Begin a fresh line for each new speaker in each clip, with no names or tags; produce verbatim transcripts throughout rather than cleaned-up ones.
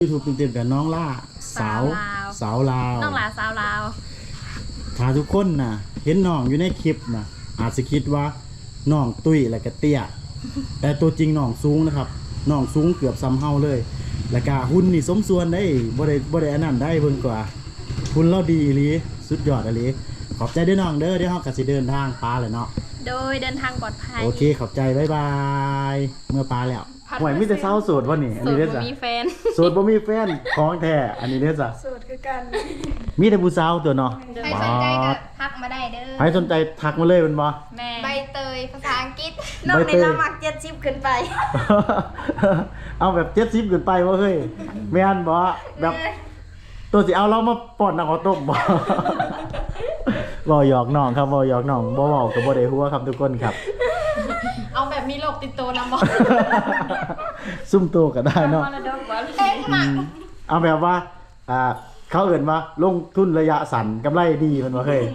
ยูทูบเต็มๆกับน้องล่าสาวสาวลาว
น้องล่าสาวลาว
ถ้าทุกคนนะเห็นน้องอยู่ในคลิปนะอาจจะคิดว่าน้องตุ้ยและก็เตี้ยแต่ตัวจริงน้องสูงนะครับน้องสูงเกือบซ้ำเฮาเลยแล้วก็หุ่นนี่สมส่วนได้บ่ได้บ่ได้อันนั้นได้เพิ่นกว่าหุ่นเราดีอีหลีสุดยอดอีหลีขอบใจด้วยน้องเด้อเดี๋ยวเฮาก็สิเดินทางปลาเลยเนาะ
โดยเดินทางปลอดภัย
โอเคขอบใจบ๊ายบายเมื่อปลาแล้วห่วยมีแต่เศร้าโสดวะนี่อันนี้เด้อจ้ะ
โสดบ่มีแฟน
โสดบ่มีแฟนของแท้อันนี้เด้อจ้ะ
โสดคือกัน
มีแต่ผู้สาวตัวเนาะ
ใครสนใจก็ทักมาได้เด้อ
ใครสนใจทักมาเลยเป็นบ่
แม่
ใบเตยภาษาอังกฤษ
น้องนี่เรามักเจ็ดสิบขึ้นไป
เอาแบบเจ็ดสิบขึ้นไปบ่เฮ้ยแม่นบ่แบบตัวสิเอาเรามาป้อนน้ำข้าวต้มบ่บ่หยอกน้องครับบ่หยอกน้องบ่เว้าก็บ่ได้ฮู้ครับทุกคนครับ
เอาแบบมีโรคติดตัวนำบ่
ซุ่มโตก็ได้เนาะเอาแบบว่าอ่าเขาเอิ้นว่าลงทุนระยะสั้นกำไรดีมันบ่เฮ้ย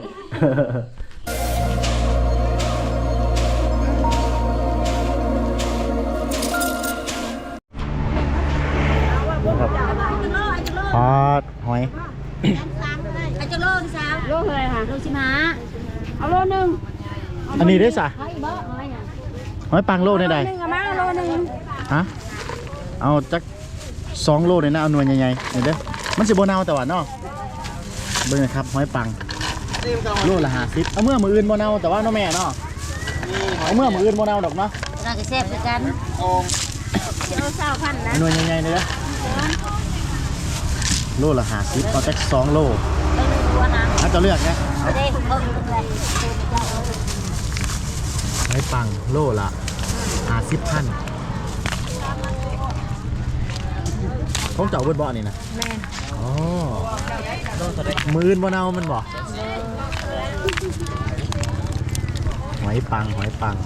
พอดหอย
อาจจะโลนึงสาวโลเลยค่ะโลสิบห้าเอาโลนึง
อันนี้ได้สะ
หอยบ่หอย
หอยปังโลได้ใด
นึงเอามาโลนึง
ฮะเอาจักสองโลเลยนะเอาหน่วยใหญ่ๆนี่เด้อมันสิบ่เน่าแต่ว่าเนาะเบิ่งนะครับหอยปังโลละห้าสิบเอาเมื่อมื้ออื่นบ่เน่าแต่ว่าเนาะแม่เนาะเอาเมื่อมื้ออื่นบ่เน่าดอกเนาะ
น่าจะแซ่บคือกันโอ้สิเอาเศร้าพันนะ
หน่วยใหญ่ๆนี่เด้อโลละห้าสิบเอาจักสองโลถ้าจะเลือกนะหอยปังโลละห้าสิบพันของเจ้าเบิดบ่อนี่นะ
แม่
อ๋อมืออื่นบ่เน่ามันบ่หอยปังหอยปัง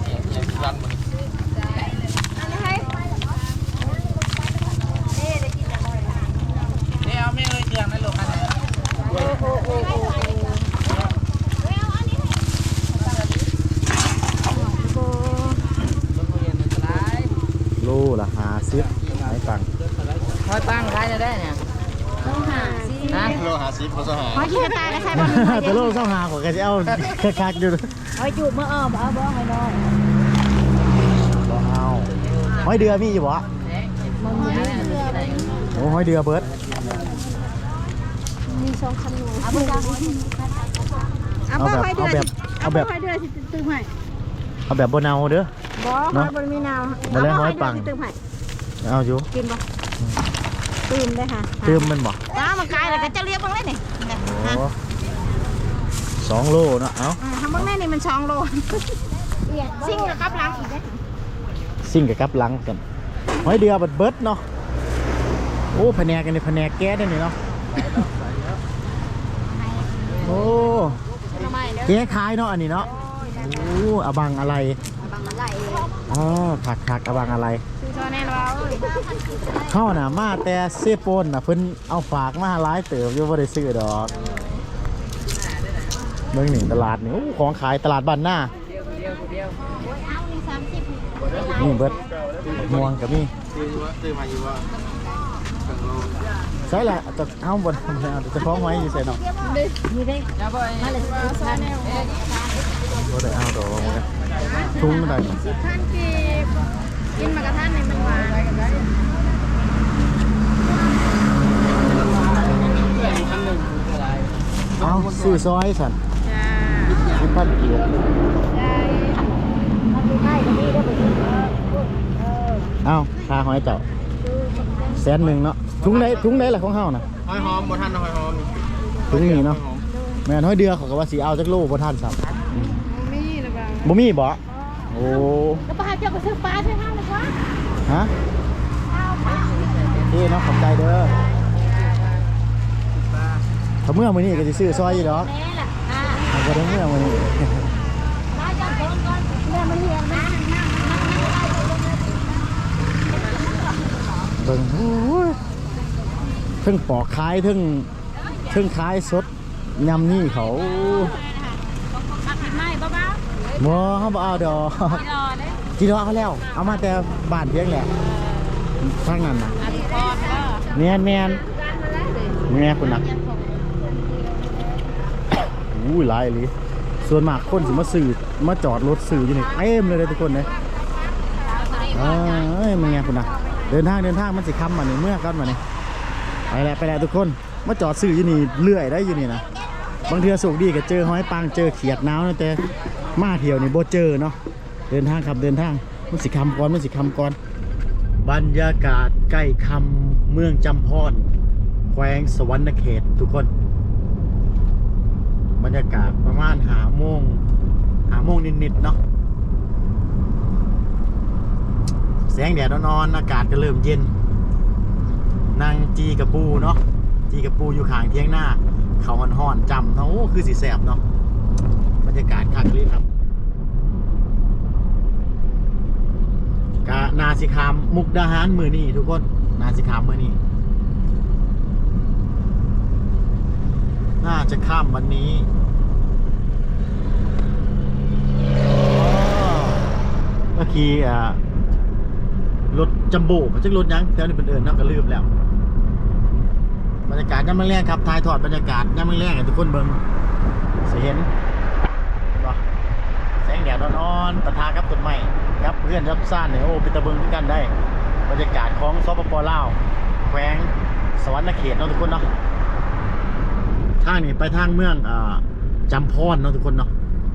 โลละห้าสิบหอยปัง
หอยปังขายจะได้เนี่ย
โลห้าสิบ
นะโลห้าสิบโลสหา
หอยขี้กระต่ายก็ใช่บ่
แต่โลสหาของแกจะเอาคักๆอยู่
หอยจูบเมื่ออ้อบ่เอาบ่หอยน้อย
บ่เอาหอยเดือมีอยู่บ่
มันมีเรืออะไร
โอ้หอยเดือเบิด
มีสองคันอยู่เอาบ่เอาบ่หอยเดือเอาแบบหอยเดือสิตึ้งให้
เอาแบบบ่เน่าเด้อ
บ่หอยบ่มีเน่า
บ่แล้วหอยปังเอาอยู่
กินบ่ตื่มได้ค่ะ
ตื่มมันบ่
จ้ามันกลายแล้วก็จะเรียกบ้างเลยนี่
สองโลเนาะเอ้า
ทำบ้างได้นี่มันสองโลซิ่งกับกับลังอีกได้
ซิ่งกับกับลังกันหอยเดือเบิดเบิดเนาะโอ้แผนกกันนี่แผนกแก๊สได้นี่เนาะโอ้แก๊สคล้ายเนาะอันนี้เนาะโอ้อบังอะไรอ๋อผักผักอบังอะไรเข้าน่ะมาแต่เซโปนน่ะเพิ่นเอาฝากมาหลายเติบอยู่บ่ได้ซื้อดอกเมืองนี่ตลาดนี่ของขายตลาดบ้านหน้านี่เบิดม่วงกับนี่ใช่แหละจะเอาบนจะคล้องไว้อยู่ใส่หนอก
นี่ได้มาเลยพัน
ก็ได้เอาดอกมาทุ่งได้
สิบพันกีบกินมากระทันในมันหวาน
เอาซื้อซอยสันสิบพันกีบเอาค่าหอยเจ้าแสนหนึ่งเนาะถุงไหนถุงไหนแหละของเฮานะ
หอยหอมบ่ทันหอยหอม
ถุงนี้เนาะแม่นหอยเดือเขาก็ว่าสีเอาจักโลบ่ทันครับ
มีหรือเปล่า
บ่มีบ่โอ้
แล้วป้าเจ้าก็ซื้อปลาใช่ไหมล่ะวะ
ฮะนี่เนาะขอบใจเด้อถ้าเมื่อมื้อนี้ก็สิซื้อซอยอยู่ดอก
แม่ล่ะอ่า
ก็ได้เมื่อมื้อนี้
มาจับคนก่อนแม่มันเฮียนนะ
เบิ่งโอ้ยเพิ่งปอกขายเพิ่งเพิ่งขายสดยำนี่เขา
ไม่เบา
ๆบ่เฮาบ่เอาดอกจีรอเขาแล้วเอามาแต่บ้านเพียงแหละทางนั้นน่ะแมนแมนแม่คุณนะอู้ยหลายเลยส่วนมากคนสิมาสื่อมาจอดรถสื่ออยู่นี่เต็มเลยเลยทุกคนเลยเอ้ยมึงไงคุณนะเดินทางเดินทางมันสิคำมาเนี่ยเมื่อกันมาเนี่ยไปแล้วไปแล้วทุกคนมาจอดสื่ออยู่นี่เลื่อยได้อยู่นี่นะบางเทือสุกดีก็เจอห้อยปังเจอเขียดน้าวนะแต่มาเที่ยวนี่โบเจอเนาะเดินทางครับเดินทางมันสิคำก่อนมันสิคำก่อนบรรยากาศใกล้คำเมืองจำพรแขวงสวรรณเขตทุกคนบรรยากาศประมาณหาโมงหาโมงนิดๆเนาะแสงแดดนอนๆอากาศก็เริ่มเย็นนั่งจีกับปูเนาะจีกับปูอยู่ข้างเที่ยงหน้าเขาห่อนๆจำเนาะโอ้คือสีแสบเนาะบรรยากาศคักเลยครับกะนาสิคามมุกดาหารมือนี่ทุกคนนาสิคามมือนี่น่าจะข้ามวันนี้เมื่อกี้อ่ารถจัมโบ้มันจะรถยังแถวนี้เป็นเดินนักก็ลืมแล้วบรรยากาศย่ำมือแรกครับถ่ายทอดบรรยากาศย่ำมือแรกให้ทุกคนเบิ่งสิเห็นว่าแสงแดดนอนๆปะทะกับต้นไม้ครับเพื่อนรับซ่านเนี่ยโอ้เป็นตะเบิงด้วยกันได้บรรยากาศของสปป.ลาวแขวงสวรรณเขตเนาะทุกคนเนาะทางนี้ไปทางเมืองอ่าจำพรเนาะทุกคนเนาะ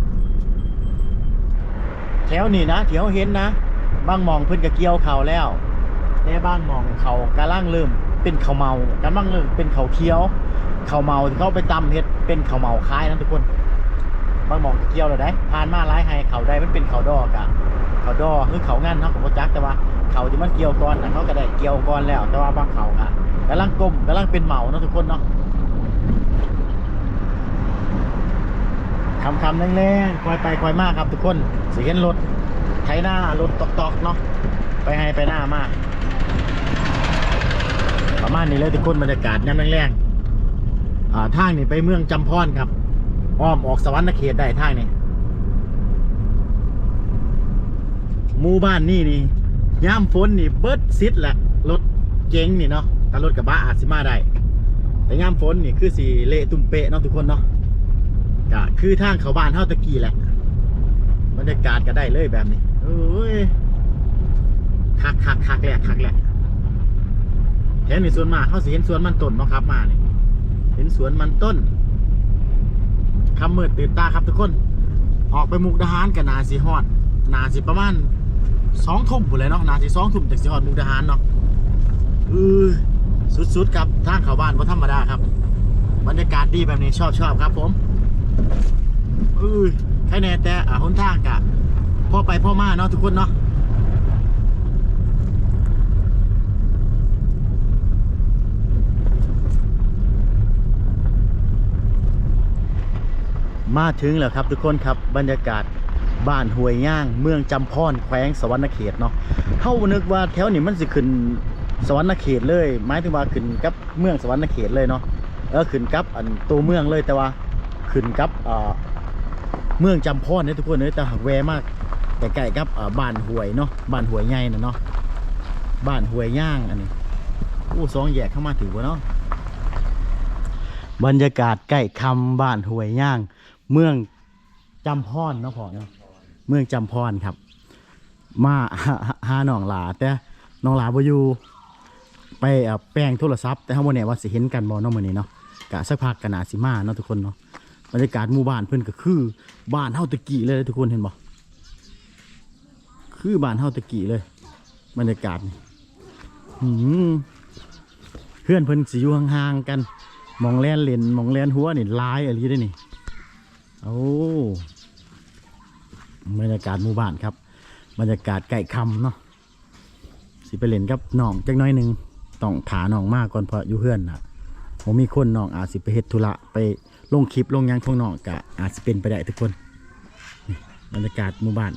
แถวนี้นะแถวเห็นนะบางหมองเพิ่นก็เกี่ยวเขาแล้วแต่บางหมองเขากำลังเริ่มเป็นเขาเมากำลังเริ่มเป็นเขาเคี้ยวเขาเมาที่เขาไปตำเฮ็ดเป็นเขาเมาคล้ายนะทุกคนบางหมองเกี่ยวแล้วได้ผ่านมาหลายไฮเขาได้มันเป็นเขาดอกอะเขาดอคือเขางั้นเนาะของโปรจักแต่ว่าเขาที่มันเกี่ยวก่อนนะเขาก็ได้เกี่ยวก่อนแล้วแต่ว่าบางเขาอะกำลังกลมกำลังเป็นเมาเนาะทุกคนเนาะคำคำแรงๆคอยไปคอยมากครับทุกคนสิเห็นรถไถหน้ารถตอกๆเนาะไปให้ไปหน้ามากประมาณนี้เลยทุกคนบรรยากาศย่ำแรงๆอ่าทางนี้ไปเมืองจำพรครับอ้อมออกสวรรณเขตได้ทางนี้หมู่บ้านนี่นี่ย่ามฝนนี่เบิดซิดแหละรถเก๋งนี่เนาะแต่รถกระบะอาจสิมาได้แต่ย่ามฝนนี่คือสีเละตุ่มเปะเนาะทุกคนเนาะก็คือทางเขาบ้านเท่าตะกี้แหละบรรยากาศก็ได้เลยแบบนี้เอ้ยคักคักคักแหละคักแหละแถวนี้สวนมากเขาสิเห็นสวนมันต้นเนาะครับมาเนี่ยเห็นสวนมันต้นคำมืดตื่นตาครับทุกคนออกไปมุกดาหารกับนาสีฮอดนาสีประมาณสองทุ่มหมดเลยเนาะนาสีสองทุ่มจากสีฮอดมุกดาหารเนาะเออสุดๆครับทางเขาบ้านก็ธรรมดาครับบรรยากาศดีแบบนี้ชอบชอบครับผมเออแค่แน่แต่อ่าหนทางกะพ่อไปพ่อมาเนาะทุกคนเนาะมาถึงแล้วครับทุกคนครับบรรยากาศบ้านห้วยย่างเมืองจำพรแขวงสวรรณเขตเนาะเฮานึกว่าแถวนี้มันสิขึ้นสวรรณเขตเลยหมายถึงว่าขึ้นกับเมืองสวรรณเขตเลยเนาะเออขึ้นกับอันตัวเมืองเลยแต่ว่าขึ้นกับอ่าเมืองจำพรเนี่ยทุกคนเลยแต่หักแวมากแต่ใกล้กับอ่าบ้านห้วยเนาะบ้านห้วยใหญ่น่ะเนาะบ้านห้วยย่างอันนี้อู้สองแยกเข้ามาถึงวะเนาะบรรยากาศใกล้คำบ้านห้วยย่างเมืองจำพรเนาะพ่อเนาะเมืองจำพรครับมาหาหนองหลาแต่หนองหลาบ่อยู่ไปแปลงโทรศัพท์แต่เฮาบ่แน่ว่าสิเห็นกันบ่เนาะมื้อนี้เนาะกะสักพักก็น่าสิมาเนาะทุกคนเนาะบรรยากาศหมู่บ้านเพิ่นก็คือบ้านเฮาตะกี้เลยทุกคนเห็นบ่คือบ้านเฮาตะกี้เลยบรรยากาศนี่หืมเพื่อนเพิ่นสิอยู่ห่างๆกันมองแล่นเล่นมองแล่นหัวนี่ลายอะไรได้นี่โอ้บรรยากาศหมู่บ้านครับบรรยากาศไก่คำเนาะสิไปเล่นกับน้องจักน้อยหนึ่งต้องถาน้องมากก่อนเพราะอยู่เพื่อนนะผมมีคนน้องอาจสิไปเฮ็ดธุระไปลงคลิปลงยังของน้องกะอาจสิเป็นไปได้ทุกคนนี่บรรยากาศหมู่บ้าน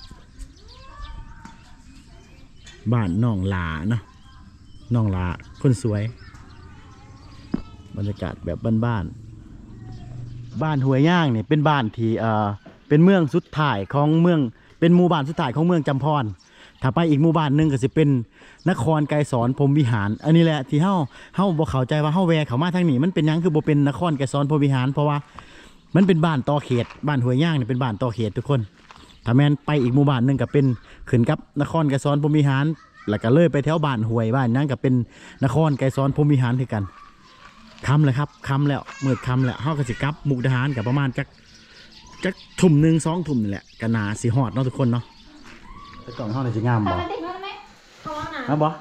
บ้านน้องหลาเนาะน้องหลาคนสวยบรรยากาศแบบบ้านๆบ้านห้วยย่างเนี่ยเป็นบ้านที่เอ่อเป็นเมืองสุดท้ายของเมืองเป็นหมู่บ้านสุดท้ายของเมืองจำพรถ้าไปอีกหมู่บ้านหนึงก็สิเป็นนครไกรสอนพรหมวิหาร อันนี้แหละที่เฮาเฮาบ่เข้าใจว่าเฮาแวะเข้ามาทางนี้มันเป็นหยังคือบ่เป็นนครไกรสอนพรหมวิหารเพราะว่ามันเป็นบ้านต่อเขตบ้านห้วยย่างนี่เป็นบ้านต่อเขตทุกคนถ้าแม่นไปอีกหมู่บ้านหนึงก็เป็นขึ้นกับนครไกรสอนพรหมวิหารแล้วก็เลยไปแถวบ้านห้วยบ้านนั้นก็เป็นนครไกรสอนพรหมวิหารคือกันค่ำเลยครับค่ำแล้วมืดค่ำแล้วเฮาก็สิกลับมุกดาหารก็ประมาณจักจักทุ่มหนึ่งสองทุ่มนี่แหละก็น่าสิฮอดเนาะทุกคนเนาะแต่กล่องเฮานี่สิงามบ่
เขาว่าหนา
มาบ่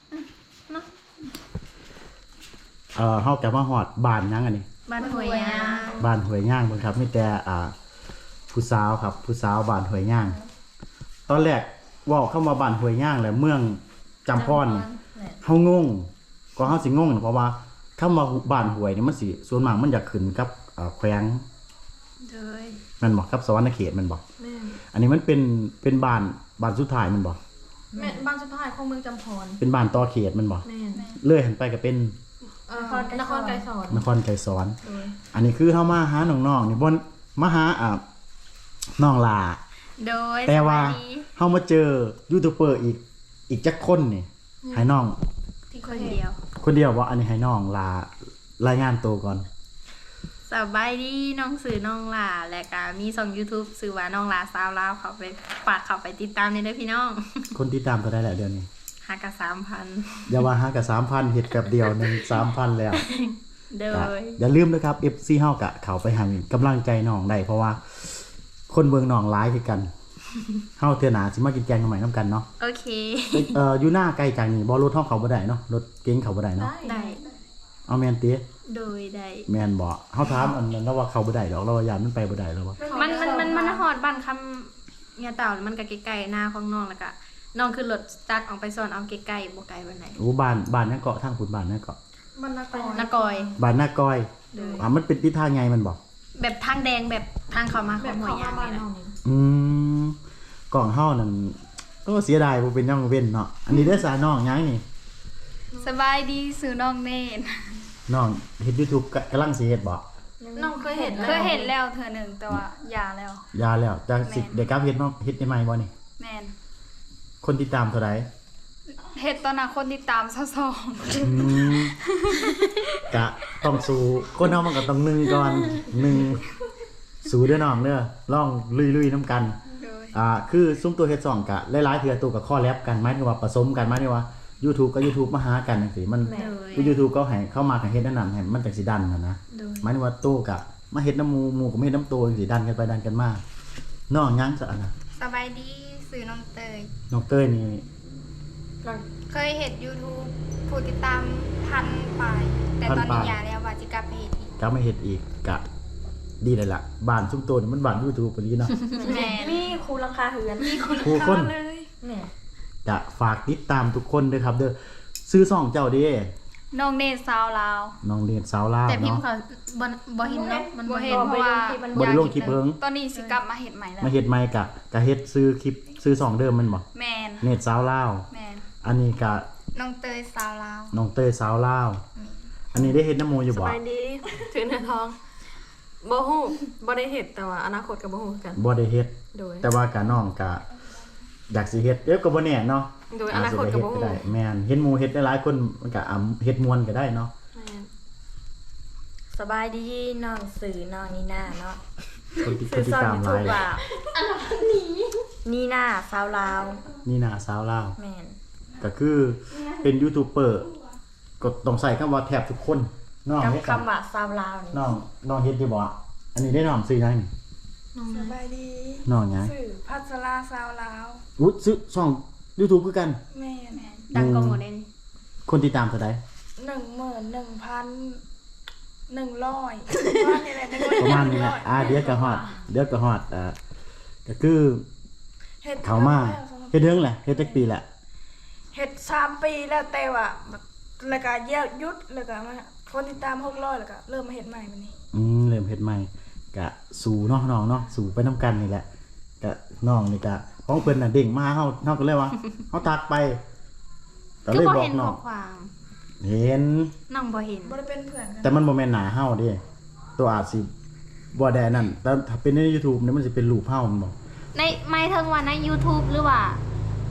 เอ่อเฮากลับมาฮอดบ้านยังอันนี้
บ้านหวยยาง
บ้านห้วยย่างเบิ่งครับมีแต่อ่าผู้สาวครับผู้สาวบ้านห้วยย่าง ตอนแรกเว้าเข้ามาบ้านห้วยย่างแล้วเมืองจำพรนี่เฮางงก็เฮาสิงงเพราะว่าคำว่าบ้านห้วยนี่มันสิส่วนมากมันอยากขึ้นกับเอ่อแขวง
เลย
แมันบ่ครับสวรรณเขตแมันบ่
แม่
อันนี้มันเป็นเป็นบ้านบ้านสุดท้ายแมันบ่
แม่บ้านสุดท้ายของเมืองจำพร
เป็นบ้านต่อเขตแมันบ่
แม่
เลื่อยหันไปก็เป็น
เอ่อนครไกรสอน
นครไกรสอน
โดย
อันนี้คือเฮามาหาน้องๆนี่บ่นมาหาอ่าน้องลา
โดย
แต่ว่า
สสดี
เฮามาเจอยูทูบเบอร์อีกอีกจักคนนี่ให้น้อง
ที่คนเดียว
คนเดียวว่าอันนี้ให้น้องลารายงานตัวก่อน
สบายดีน้องสื่อน้องหล่าและก็มีช่อง YouTube สื่อว่าน้องหล่าสาวลาวเขาไปฝากเขาไปติดตามในเด้อพี่น้อง
คนติดตามก็ได้แหละเดือนนี้
หากะสามพัน
อย่าว่าหากับสามพันเฮ็ดกับเดียวหนึงสามพันแล้ว
โด
ก็
ย
อย่าลืมนะครับ เอฟ ซี เฮากะเข้าไปให้กำลังใจน้องได้เพราะว่า คนเบิ่งน้องหลายคือกัน เฮาเทื่อหน้าสิมากินแกงกันใหม่นํกันเนาะ
โอเค
เอ่ออยู่หน้าไกลจากนี่บ่รถเฮาเข้าบ่ได้เนาะรถเก๋งเข้าบ่ได้เนาะ
ได้
เอาแม่นติ
โดยได้
แม่นบ่เฮาถามอันนั้นแล้วว่าเข้าบ่ได้ดอกเราว่ายานมันไปบ่ได้แล้วว่า
มันมันมันมันฮอดบ้านคำเนี่ยเต่ามันก็ใกล้ๆหน้าของน้องแล้วก็น้องขึ้นรถสตาร์ทออกไปสอนเอาใกล้ๆบ่ไกลปานไหน
โอ้บ้านบ้านนั่นเกาะทางขุนบ้านนั่นเกาะ
บ้านนากอยนากอย
บ้านหน้าก้อย
โดย
อ่ามันเป็นทิศทางไงมันบอก
แบบทางแดงแบบทางเข้ามาของหัวยยางนี่นะ
อืมกล่องเฮานั่นก็เสียดายบ่เป็นย่องเว้นเนาะอันนี้ได้อสาน้องยังนี่
สบายดีสื่อน้องเนน
น้องเฮ็ด YouTube กะกำลังสิเฮ็ดบ่
น้องเคยเห็น
เคยเห็นแล้วเธอหนึ่งแต่ว่าหย่าแล้ว
ยาแล้วจะสิได้กลับเฮ็ดเนาะเฮ็ดได้ใหม่บ่นี่
แมน
คนติดตามเท่าใด
เห็ดตอนนั้นคนที่ตามซะสอง
อืมกะต้องสู้คนเฮามันก็ต้องหนึ่งก่อนหนึ่งสู้เด้อน้องเด้อลองลุยๆนํกัน
เลย
อ่าคือซุ้มตัวเฮ็ดสองกะหลายๆเทื่อตัวกับข้อแลบกันหมายถึงว่าผสมกันหมายถึงว่า YouTube กับ YouTube มาหากันจังซี่มัน
โดย
คือ YouTube ก็ให้เข้ามากับเฮ็ดนั่นนั่นให้มันจังสิดันน่ะนะ
โดย
หมายถึงว่าตู้กะมาเฮ็ดน้ำหมูหมูก็มาเฮ็ดน้ำตัวจังสิดันกันไปดันกันมาน้องยังซะอันน่ะ
สบายดีสื่อน้องเตย
น้องเต้ยนี่
เคยเห็น YouTube ผู้ติดตามพันไปแต่ตอนนี้อย่าแล้วว่าจะกลับไปเห็นอีก
ก็มาเฮ็ดอีกกะดีเลยล่ะบ้านซุ้มตัวนี่มันบ้าน YouTube ปานนี้เนาะ
แมนมีครูราคาเหือนมีครู
ครูคน
เลยแมน
กะฝากติดตามทุกคนด้วยครับเด้อซื้อซ่องเจ้าเด้
น้องเนตสาวลาว
น้องเรียนสาวลาว
แต่พิม
เนาะ
พ์เขาบ่บ่เห็นเนาะมัน
บ่
บ่
เห็
เห็
น
น
เพราะว่า
บ่ได้ลงคลิปเพิ่ง
ตอนนี้สิกลับมาเห็ดใหม่แล้ว
มาเฮ็ดใหม่กะกะเฮ็ดซื้อคลิปซื้อซ่องเดิมมันบ่
แมน
เน็ตสาวลาว
แมน
อันนี้กะ
น้องเตยสาวลาว
น้องเต้ยสาวลาว อันนี้ได้เฮ็ดน้ำหมูอยู่
ส
บ่
บายดีถือเนื้อทองบ่ฮู้บ่ได้เฮ็ดแต่ว่าอนาคตก็บ่ฮู้คือกัน
บ่ได้เฮ็ด
โดย
แต่ว่ากะน้องกะอยากสิเฮ็ดเดี๋ยวก็บ่แน่เนาะ
โดยอนาคตก็บ่
อาจ
ฮู้
สิได้เฮ็ดก็ได้แม่นเห็นหมู่เฮ็ดหลายๆคนมันก็อ่ำเฮ็ดม่วนก็ได้เนาะ
แม่น
สบายดีน้องสื่อน้องนีน่าเนาะ
คนที่ค
สื่
น
อ
ที่
ซ่อน
ตาม
ยู
ห
ทู
ลา
บ
ย
ว่านีน่าสาวลาว
นี่น่ะสาวลาว
แมน
ก็คือเป็นยูทูบเบอร์ก็ต้องใส่คำว่าแทบทุกคนน้อง
กับ
เฮ็ด
คำว่าสาวลาวนี่
น้องน้องเฮ็ดอยู่บ่อันนี้ได้น้องซื้อยังนี่
สบายดี
น้องหยัง
สื่อพัชราสาวลาว
อุ๊ยซื้อช่อง YouTube คือกัน
แม่น
ดังกว่าหมดเด่น
คนติดตามเท่าใด
หนึ่งหมื่นหนึ่งพันหนึ่งร้อยว่านี่แหละ
ประมาณนี้แหละอ่าเดี๋ยวก็ฮอดเดี๋ยวก็ฮอดอ่าก็คือ
เฮ็ด
เขามาเฮ็ดเรื่องแหละเฮ็ดจักปีแหละ
เฮ็ดสามปีแล้วแต่ว่าแล้วก็แยกหยุดแล้วก็มาคนติดตามหกร้อยแล้วก็เริ่มมาเฮ็ดใหม่บัดนี้
อืมเริ่มเฮ็ดใหม่กะสู่เนาะน้องเนาะสู่ไปนํกันนี่แหละกะน้องนี่กะของเพิ่นน่ะเด้งมาเฮาเฮาก็เลยว่าเฮาทักไปก็
คื
เล
อย บ่
บอก
เห็น
น้
ข้
อ
อง ความ
เห็น
น้องบ่เห็น
บ่ได้เป็นเพื่อนกัน
แต่มันบ่แม่นหน้าเฮาเด้ตัวอาจสิบ่ได้นั่นแต่ถ้าเป็นใน YouTube เนี่ยมันสิเป็นรูปเฮามันบ่
ในไม่ถึงว่าใน YouTube หรือว่า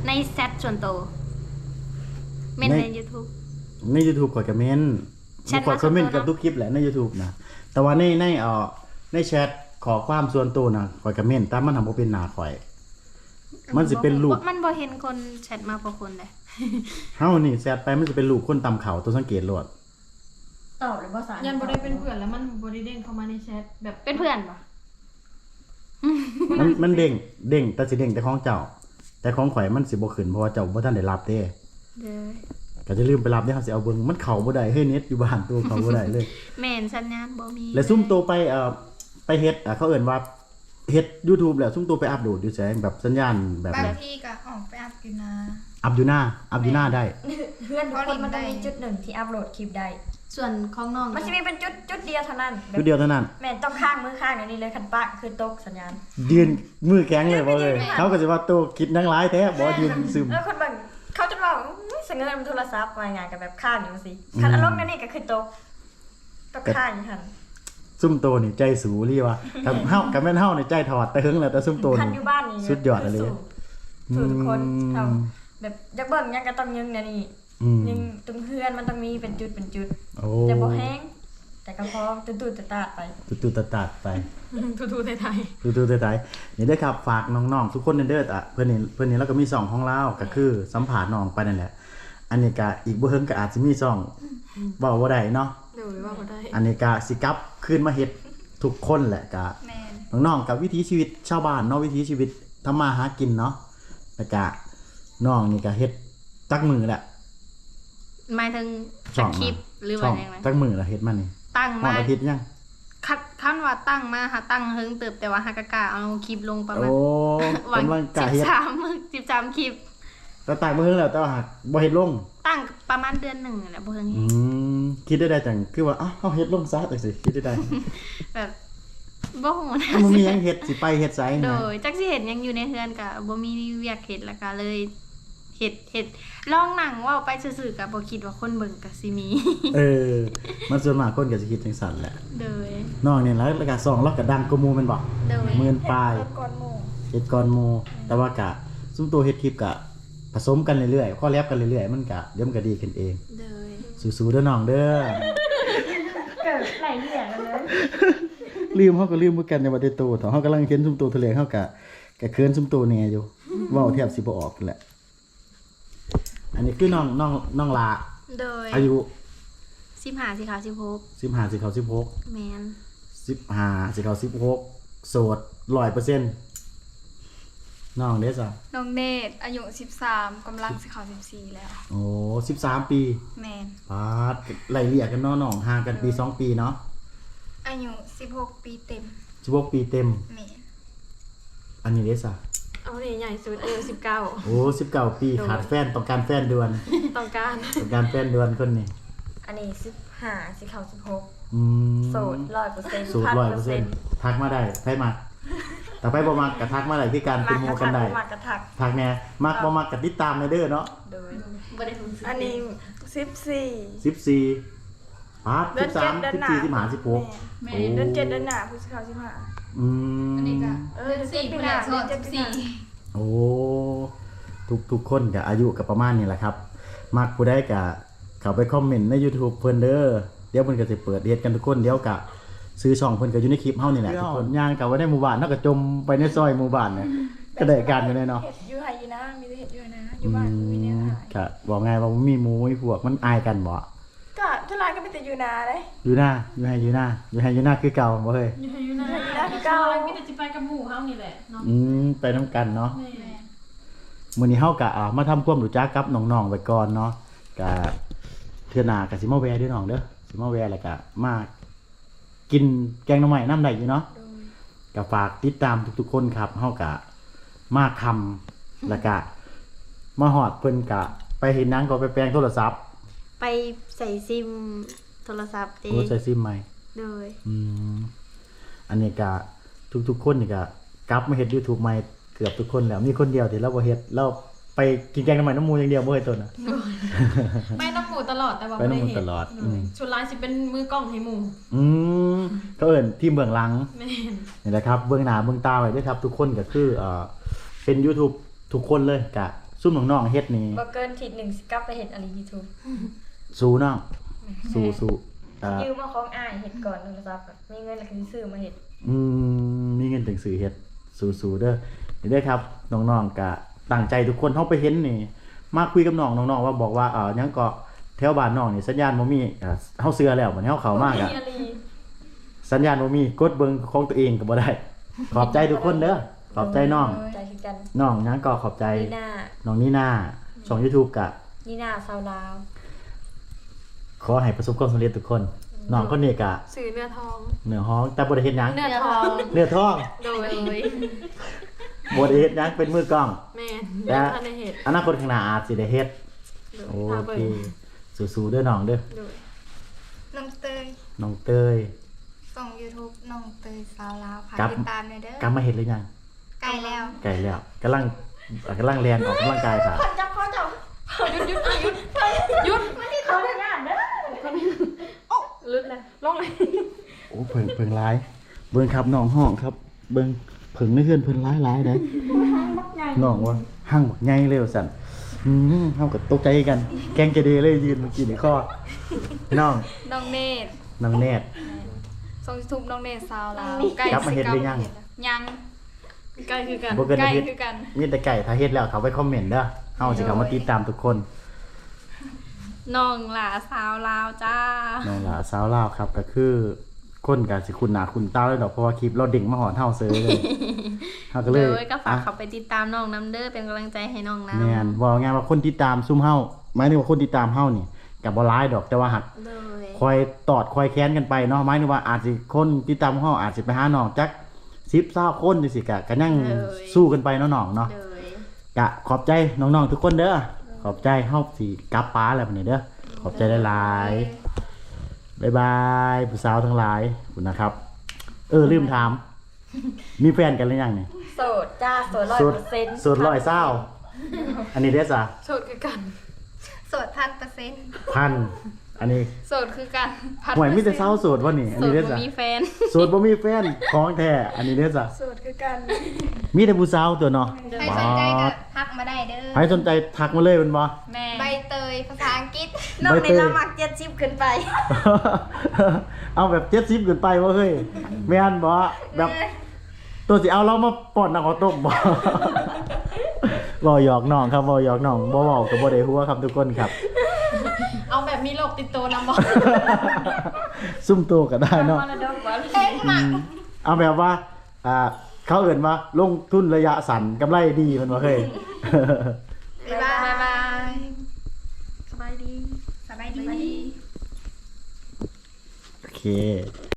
ในแชทส่วนตัวเม่นใน YouTube
ใน YouTube ข่อยก็เม้น
แชท
ข่อยคอมเมนต์
มาส่วนตัว
กับทุกคลิปแหละใน YouTube นะแต่ว่าในในเอ่อในแชทขอความส่วนตัวนะข่อยก็เม้นแต่มันทำบ่เป็นหน้าข่อย มันสิเป็นรูป
มันบ่เห็นคนแชทมาพอคนเลย
เฮานี่แชทไปมันสิเป็นรูปคนตำเขาตัวสังเกตโลด
ตอบหรือภาษา
ยั
ยั
นบ่ได้เป็นเพื่อนแล้วมันบ่ได้เด้งเข้ามาในแชทแบบ
เป็นเพื่อนปะ
มันมันเด้งเด้งแต่สิเด้งแต่ของเจ้า แต่ของข่อยมันสิบ่ขึ้นเพราะว่าเจ้าบ่ทันได้รับเด้
เด้อ
ก็จะลืมไปรับเด้เฮาสิเอาเบิ่งมันเข้าบ่ได้เฮ้ยเน็ตอยู่บ้านตัวเข้าบ่ได้เลย
แม่นสัญญาณบ่มี
แล้วซุ่มตัวไปเอ่อไปเฮ็ดอ่ะเขาเอิ้นว่าเฮ็ด YouTube แล้วซุ่มตัวไปอัปโหลดอยู่แสงแบบสัญญาณแบบ
บาง
แบบ
ทีก็ออกไปอัพอยู่นะ
อัพอยู่หน้าอัพอยู่หน้าได้
เพื่อนทุกคนมันต้องมีจุดหนึ่งที่อัพโหลดคลิปได้
ส่วนของน้อง
มันจะมีเป็นจุดจุดเดียวเท่านั้นแบบ
จุดเดียวเท่านั้น
แม่นต้องข้างมือข้างเดี๋ยวนี้เลยคันปะคือตกสัญญาณ
ยืนมือแข็งเลยบ่เลยเขาก็สิว่าตัวคิดนังหลายแท้บ่ยืนซึม
แล้วคนบางเขาจะบอกอื้อเสงเงินมันโทรศัพท์มาไงกับแบบข้างอยู่สิคันอารมณ์นั่นนี่ก็คือตกต้องข้างอยู่ทัน
ซุ่มโตนี่ใจสูรีว่ากับเฮากับแม่นเฮานี่ใจถอดแต่หึงแล้วแต่ซุ่มโต
คัน
นี่
อยู่บ้านนี่
สุดยอดเลย
สู้สู้ทุกคน
อืม
เท่าแบบอยักเบิ่งยังก็ต้องยึงเนี่ยนี่
อืม
ยึงตรงเพื่อนมันต้องมีเป็นจุดเป็นจุด
โอ้
แต่บ่แห้งแต่ก็พอตุ้ดๆตาดๆไป
ตุๆตัดๆไป
ทูๆไทย
ตุๆตัดๆนี่เด้อครับฝากน้องๆทุกคนเด้ออ่ะเพิ่นนี่เพิ่นนี่แล้วก็มีสองของเราก็คือสัมภาษณ์น้องไปนั่นแหละ อันนี้ก็อีกบ่เฮิงก็อาจสิมีสองเว้าบ่ได้เนาะ
ๆดูว่าบ่ได้
อันนี้ก็สิกลับคืนมาเฮ็ดทุกคนแหละก็
แมน
น้องๆกับวิถีชีวิตชาวบ้านเนาะวิถีชีวิตทำมาหากินเนาะแล้วก็น้องนี่ก็เฮ็ดจักมือแหละ
หมายถึง
ช่
ส
อง
คริปต์หรือ
ช่
ว่า
อง
อย่างไร
จักมือละเฮ็ดมานี่
ตั้ง
ฮอ
มา
ดอาทิตย์ยัง
คัดคันว่าตั้งมาหาตั้งเฮิงเติบแต่ว่าหากะกะเอาคลิปลงประมาณ
โอ้
วัน
กำลังกะ
สิบ
เฮ็ด
สามมื้อสิบสามคลิป
ก็ตากบ่เฮิงแล้วแต่ว่าหากบ่เฮ็ดลง
ตั้งประมาณเดือนหนึ่งแหละบ่เฮิง
อืมคิดได้ได้จังคือว่าอ้าวเฮาเฮ็ดลงซะจังซี่คิดได้ได้
แบบบ่ฮู้นะ
อ้าวมันมีหยังเฮ็ดสิไปเฮ็ดไส
โด
นะ
ยจักสิเห็นยังอยู่ในเฮือนก็บ่มีเวียกเฮ็ดแล้วก็เลยเฮ็ดเฮ็ดลองหนังเว้าไปซื่อๆก็บ่คิดว่าคนเบิ่งก็สิมี
เออ มันส่วนมากคนก็สิคิดจังซั่นแหละ
โดย
น้องนี่แล้วแล้วก็สองเราก็ดังกว่าหมู่แม่นบ่
โดย
หมื่นปลาย
ก่อนหมู่
เฮ็ดก่อนหมู่แต่ว่ากะซุมตัวเฮ็ดคลิปกะผสมกันเรื่อยๆข้อแลบกันเรื่อยๆมันกะเดี๋ยวมันก็ดีขึ้นเอง
โดย
สู้ๆเด้อน้องเด้อ
เกิดไหลเหี้ยกันเลย
ลืมเฮาก็ลืมเหมือนกันในว่าได้โตเถาะเฮากำลังเห็นซุมตัวทะเลเฮากะกะเคินซุมตัวแหน่อยู่เว้าแทบสิบ่ออกนั่นแหละ อันนี้คือน้องน้องน้องลา
โดย
อายุ
สิบห้าสิเข้าสิบหก
สิบห้าสิเข้าสิบหก
แม่น
สิบห้าสิเข้าสิบหกโสด ร้อยเปอร์เซ็นต์ น้องเด้อจ้ะ
น้องเนตอายุสิบสามกำลังสิเข้าสิบสี่แล้ว
โอ้สิบสามปี
แมน
ปาดไล่เลี่ยกันเนาะน้องห่างกันปีสองปีเนาะ
อายุสิบหกปีเต็ม
สิบหกปีเต็ม
แมน
อันนี้เด้อจ้ะ
เอานี่ใหญ่สุดเออสิบเก้า
โอ้สิบเก้าปีขาดแฟนต้องการแฟนด่วน
ต้องการ
ต้องการแฟนด่วนคนนี้
อันนี้สิบห้าสิเข้าสิบหก
อืม
โสดร้อยเปอร์เซ็นต์
สูตรร้อยเปอร์เซ็นต์ทักมาได้ไผมักแต่ไผบ่มักก็ทักมาได้คือการเป็นโมกันได้
มากกระทัก
ทักแน่มักบ่มักก็ติดตามในเด้อเนาะ
โดย
บ่ได้รู้สึก
อันนี้สิบสี่
สิบสี่ปาด
เดื
สิ
อน
บสา
เจ็ด
ม
เดือน
สิบ
หน้า
สี่สิบห้าสิบหก
แม่เดือนเจ็ดเดือนหน้าพฤศจิกาสิบห้า
อืม
เออเดือนสี่ปีหน้าเดือนเจ็ดปีหน้า
โอ้ทุกทุกคนก็อายุก็ประมาณนี้แหละครับ มักผู้ใดก็เข้าไปคอมเมนต์ใน YouTube เพิ่นเด้อเดี๋ยวเพิ่นก็สิเปิดเฮ็ดกันทุกคนเดี๋ยวก็ซื้อช่องเพิ่นก็อยู่ในคลิปเฮานี่แหละทุกคนย่างกลับไว้ในหมู่บ้านเนาะก็จมไปในซอยหมู่บ้านเนี่ยก็ได้การอยู่เลยเนาะ
เห็ดอยู่ไฮยีนะมีแต่เห็ดอยู่นะอ
อื
ยู่บ้านมีเนี่ย
ม
หาย
ก็บอกไงว่ามีหมู่มีพวกมันอายกันบ่
ก็ทุลายก็เป็นแต่อยู่นาเลย
อยู่หน้าอยู่ให้อยู่หน้าอยู่ให้อยู่หน้าคือเก่าบ่เฮ้ย
อยู่อยู่นะ
อยู่นาคือเก่า
มีแต่สิไปกับหมู่เฮานี่แหละเนาะ
อืมไปนํกันเนาะ
แม่
มื้อนี้เฮาก็อ่ามาทำความรู้จักกับน้องๆไว้ก่อนเนาะก็เทื่อหน้าก็สิมาแวะเด้อน้องเด้อสิมาแวะแล้วก็มากินแกงหน่อไม้น้ำได้อยู่เนาะก็ฝากติดตามทุกๆคนครับเฮาก็มาคำแล้วก็มาฮอดเพิ่นก็ไปเห็นหนังก็ไปแปลงโทรศัพท์
ไปใส่ซิมโทรศัพท์เด้
โอ้ใส่ซิมใหม่
โดย
อืมอันนี้ก็ทุกๆคนนี่ก็กลับมาเฮ็ด YouTube ใหม่เกือบทุกคนแล้วมีคนเดียวที่เราบ่เฮ็ดเราไปกินแกงน้ำมันน้ำมูอย่างเดียวบ่เฮ็ดตัวน่ะ
ไม่ต้องหมู่ตลอดแต่ว่า
ไปน้ำหมู่
บ่เห็
ตลอดอืม
ชุดลายสิเป็นมือกล้องให้หมู่
อืมก็เอิ้นทีมเบื้องหลัง
แม่น
นี่แหละครับเบื้องหน้าเบื้องตาไว้ด้วยครับ ทุกคนก็คือเอ่อเป็น YouTube ทุกคนเลยก็ซุ่มน้องๆเฮ็ดนี่
บ่เกินทีหนึ่งสิกลับไปเฮ็ดอะไร YouTube
สู้น้องสู้สู้อ่า
ยืมมาของอ้ายเฮ็ดก่อนโทรศัพท์อะมีเงินแล้วก็สิซื้อมาเฮ็ด
อืมมีเงินถึงซื้อเฮ็ดสู้ๆเด้อนี่เด้อครับน้องๆก็ตั้งใจทุกคนเฮาไปเห็นนี่มาคุยกับน้องน้องๆว่าบอกว่าเอ่อหยังก็แถวบ้านน้องนี่สัญญาณบ่มีอ่าเฮาเชื่อแล้วบัดนี้เฮาเข้ามาก
มี
อ่ะ
อะไร
สัญญาณบ่มีกดเบิ่งของตัวเองก็บ่ได้ ขอบใจทุกคนเด้อขอบใจน้อง
ใจคือกัน
น้องหยังก็ขอบใจ
นีน่า
น้องนี่นาช่อง YouTube ก็
นีน่าชาวลาว
ขอให้ประสบความสำเร็จทุกคนน้องคนนี้ก็
สื่อเนื้อทอง
เหนือฮ้องแต่บ่ได้เฮ็ดหยัง
เนื้อทอง
เนื้อทอง
โดย
บ่ได้เฮ็ดหยังเป็นมือกล้อง
แม่
แต่
ทันได้เห็ด
อนาคตข้างหน้าอาจสิได้เฮ็ด โอเคสู้ๆเด้อน้องเด้อ
น้องเตย
น้องเตย
ส่ง YouTube น้องเตยสาวลาวฝาก
ครับ
ติดตามหน่อยเด้
กลั
อบ
มาเฮ็ดหรือยัง
ใกล้แล้ว
ไกลแล้วกำลังกำลังเรียนออกกำลังกายค่ะ
จับคอจับ
ลึดเลยลงเลย
โอ้เพิ่งเพิ่งร้ายเบิ่งครับน้องห้องครับ เบิ่งเพิ่งในเฮือนเพิ่นร้ายร้ายได้น้องว่าหั่งบักใหญ่เลยว่าซั่นอืมเฮาก็ตกใจกัน แกงจะเดเลยยืนเมื่อกี้นี่ข้อน้อง
น้องเนตร
น้องแนท
ส่งยูทูบน้องเนตรสาวลาว
กลับมาเฮ็ดหรือยัง
ยังใกล้คือกัน
บ่เกิน
ใกล้
อาทิตย์
คือกัน
มีแต่ไก่ถ้าเฮ็ดแล้วเขาไปคอมเมนต์เด้อเฮาสิเข้ามาติดตามทุกคน
น้องหลาสาวลาวจ้า
น้องหลาสาวลาวครับก็คือคนก็สิคุณหน้าคุณตาเลยดอกเพราะว่าคลิปเราเด้งมาหอนเฮาเซยเลยเฮาก็เล
เลย ยก็ฝาก
อ่ะ
เขาไปติดตามน้องน้ำเด้อเป็นกำลังใจให้น้องน้ำ
แม่นว่าไงว่าคนติดตามซุ่มเฮาหมายถึงว่าคนติดตามเฮานี่ก็บ่หลายดอกแต่ว่าหัก
เลย
คอยตอดคอยแค้นกันไปเนาะหมายถึงว่าอาจสิคนติดตามเฮาอาจสิไปหาน้องจักสิบ ยี่สิบคนจังซี่ก็ก็ยังสู้กันไปเนาะน้องเนาะ
เลย
ก็ขอบใจน้องๆทุกคนเด้อขอบใจเฮาสิกลับป้าแล้วบัดนี้เด้อขอบใจหลายๆบ๊ายบายผู้สาวทั้งหลายขอบคุณนะครับ เออลืมถาม มีแฟนกันหรือยังเนี่ย
โสดจ้าโสดร้อย
โสด
เปอร์เซ็นต์
โสดร้อยเศร้าอันนี้เด้อจ้ะ
โสดคือกัน
โสดพันเปอร์เซ็นต์
พันอันนี้
โสดคือกันพัด
หวยมีแต่เศร้าโสดวะนี่อัน
โส
นี้
ด
เด้อ
บ่
จ้ะ
มีแฟน
โสดบ่มีแฟนของแท้อันนี้เด้อจ้ะ
สูตรคือกัน
มีแต่ผู้สาวตัวเนาะ
ใครสนใจก็ทักมาได้เด้อ
ใครสนใจทักมาเลยเป็นบ่
แม่
ใบเตยภาษาอังกฤษ
น้องใน
ใบเตย
ละมักเจ็ดสิบขึ้นไป
เอาแบบเจ็ดสิบขึ้นไปบ่เฮ้ยแม่นบ่แบบตัวสิเอาเรามาป้อนน้ำข้าวต้มบ่ บ่หยอกน้องครับบ่หยอกน้องบ่เว้าก็บ่ได้ฮู้ครับทุกคนครับ
เอาแบบมีโรคติดตัวนำบ่
ซุ่มตัวก็ได้เนาะ
มรดกบ่
เต้นมา
เอาแบบว่า อ่า เขาเอิ่นว่าลงทุนระยะสั้นกำไรดีมันว่าเฮ้ย
บ๊ายบาย
บ๊ายบายสบายดี
สบายดี
โอเค